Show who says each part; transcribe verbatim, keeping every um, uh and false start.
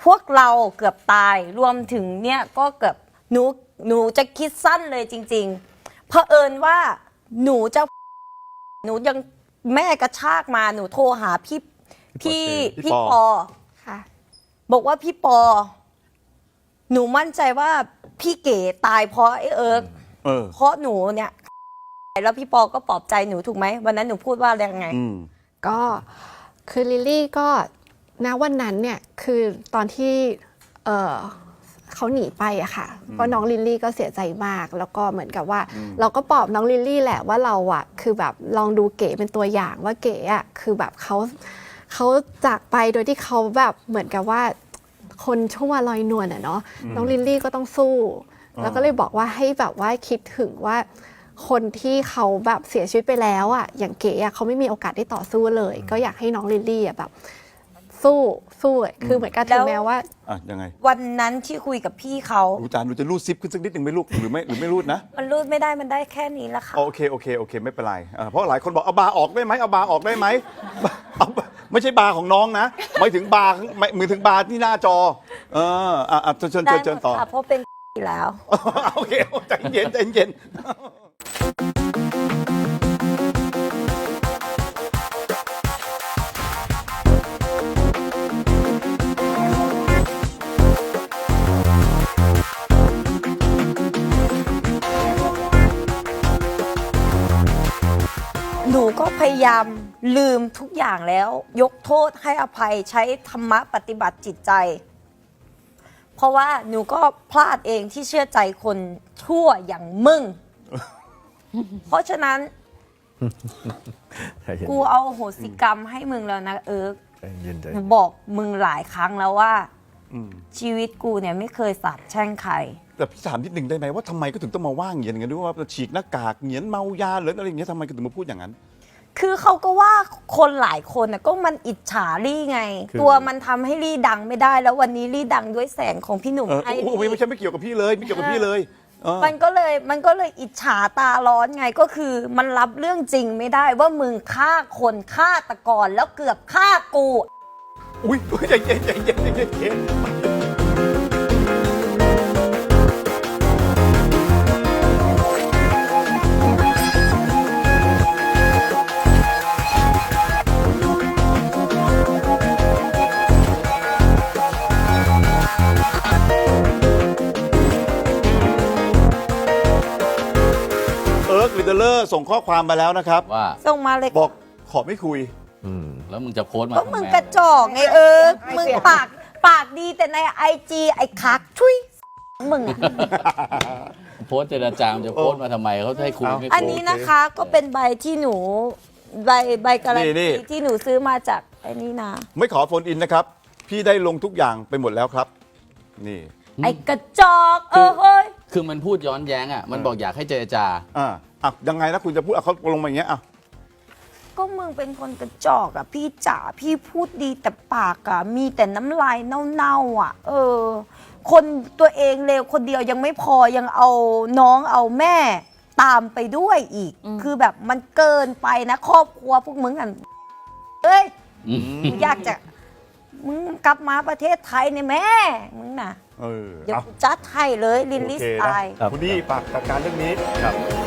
Speaker 1: พวกเราเกือบตายรวมถึงเนี่ยก็เกือบหนูหนูจะคิดสั้นเลยจริงๆเผอิญว่าหนูจะหนูยังแม่กระชากมาหนูโทรหาพี่พี่พี่ปอค่ะบอกว่าพี่ปอหนูมั่นใจว่าพี่เก๋ตายเพราะไอ้เอิร์กเพราะหนูเนี่ยแล้วพี่ปอก็ปลอบใจหนูถูกไหมวันนั้นหนูพูดว่าอะไรไง
Speaker 2: ก็คือลิลลี่ก็ณวันนั้นเนี่ยคือตอนที่เออเขาหนีไปอะค่ะก็น้องลิลลี่ก็เสียใจมากแล้วก็เหมือนกับว่าเราก็ปลอบน้องลิลลี่แหละว่าเราอะคือแบบลองดูเก๋เป็นตัวอย่างว่าเก๋อะคือแบบเขาเขาจากไปโดยที่เขาแบบเหมือนกับว่าคนชั่วลอยนวลอะเนาะน้องลิลลี่ก็ต้องสู้แล้วก็เลยบอกว่าให้แบบว่าคิดถึงว่าคนที่เขาแบบเสียชีวิตไปแล้วอ่ะอย่างเก๋อ่ะเขาไม่มีโอกาสได้ต่อสู้เลยก็อยากให้น้องลิลลี่อ่ะแบบสู้สู้คือเหมือนกันถึงแม้ว่า
Speaker 3: อ่ะยังไง
Speaker 1: วันนั้นที่คุยกับพี่เขา
Speaker 3: ดูจานดูจะรูดซิปขึ้นสักนิดหนึ่งไหมลูกหรือไม่หรือไม่รูดนะ
Speaker 1: มันรูดไม่ได้มันได้แค่นี้ละค่ะ
Speaker 3: โอเคโอเคโอเคไม่เป็นไรเพราะหลายคนบอกเอาบาร์ออกได้ไหมเอาบาร์ออกได้ไหมเอาไม่ใช่บาร์ของน้องนะไม่ถึงบาร์มือถึงบาร์ที่หน้าจอเอออ่ะเชิญเชิญเชิญต่อ
Speaker 1: เพราะเป็นแล้ว
Speaker 3: โอเคใจเย็นใจเย็น
Speaker 1: หนูก็พยายามลืมทุกอย่างแล้วยกโทษให้อภัยใช้ธรรมะปฏิบัติจิตใจเพราะว่าหนูก็พลาดเองที่เชื่อใจคนชั่วอย่างมึง เพราะฉะนั้น กูเอาโหสิกรรมให้มึงแล้วนะเอิร์กหนูบอกมึงหลายครั้งแล้วว่าชีวิตกูเนี่ยไม่เคยสาบแช่งใคร
Speaker 3: แต่พี่ถามนิดนึงได้ไหมว่าทำไมก็ถึงต้องมาว่าเงียนกันด้วยว่าฉีกหน้ากากเงียนเมายาหรืออะไรอย่างเงี้ยทำไมก็ถึงมาพูดอย่างนั้น
Speaker 1: คือเขาก็ว่าคนหลายคนน่ะก็มันอิจฉาลี่ไงตัวมันทำให้ลี่ดังไม่ได้แล้ววันนี้ลี่ดังด้วยแสงของพี่หนุ่มไอ้
Speaker 3: ไม่ใช่ไม่เกี่ยวกับพี่เลยไม่เกี่ยวกับพี่เลย
Speaker 1: มันก็เลยมันก็เลยอิจฉาตาร้อนไงก็คือมันรับเรื่องจริงไม่ได้ว่ามึงฆ่าคนฆ่าตะกอนแล้วเกือบฆ่ากู
Speaker 3: อุ้ยใจเย็นใจเย็นใจเย็นลิเดเลอร์ส่งข้อความมาแล้วนะครับ
Speaker 4: ว่า
Speaker 1: ส่งมาเลย
Speaker 3: บอกขอไม่คุย
Speaker 4: แล้วมึงจะโพสต์มา
Speaker 1: ก็มึงกระจอกไงเออมึงปากปากดีแต่ในไอจีไอ้คักชุยมึงอะ
Speaker 4: โพสต์เจรจามจะโพสต์มาทำไมเขาให้คุยไม่
Speaker 1: อันนี้นะคะก็เป็นใบที่หนูใบใบการันตีที่หนูซื้อมาจากไอ้นี่นะ
Speaker 3: ไม่ขอโฟนอินนะครับพี่ได้ลงทุกอย่างไปหมดแล้วครับนี่
Speaker 1: ไอ้กระจอกเออเฮ้ย
Speaker 4: คือมันพูดย้อนแย้งอ่ะมันบอกอยากให้เจรจา
Speaker 3: อ่าอ่ะยังไงนะคุณจะพูดเขาลงมาอย่างเงี้ยอ่ะ
Speaker 1: ก็มึงเป็นคนกระจอกอ่ะพี่จ๋าพี่พูดดีแต่ปากอ่ะมีแต่น้ำลายเน่าๆอ่ะเออคนตัวเองเลวคนเดียวยังไม่พอยังเอาน้องเอาแม่ตามไปด้วยอีกคือแบบมันเกินไปนะครอบครัวพวกมึงกันเอ้ยอยากจะมึงกลับมาประเทศไทยเนี่ยแม่มึงน่ะเดี๋ยวจัดให้เลยลินลิสไตล์
Speaker 3: คุณดีปากจัดการเรื่องนี้ครับ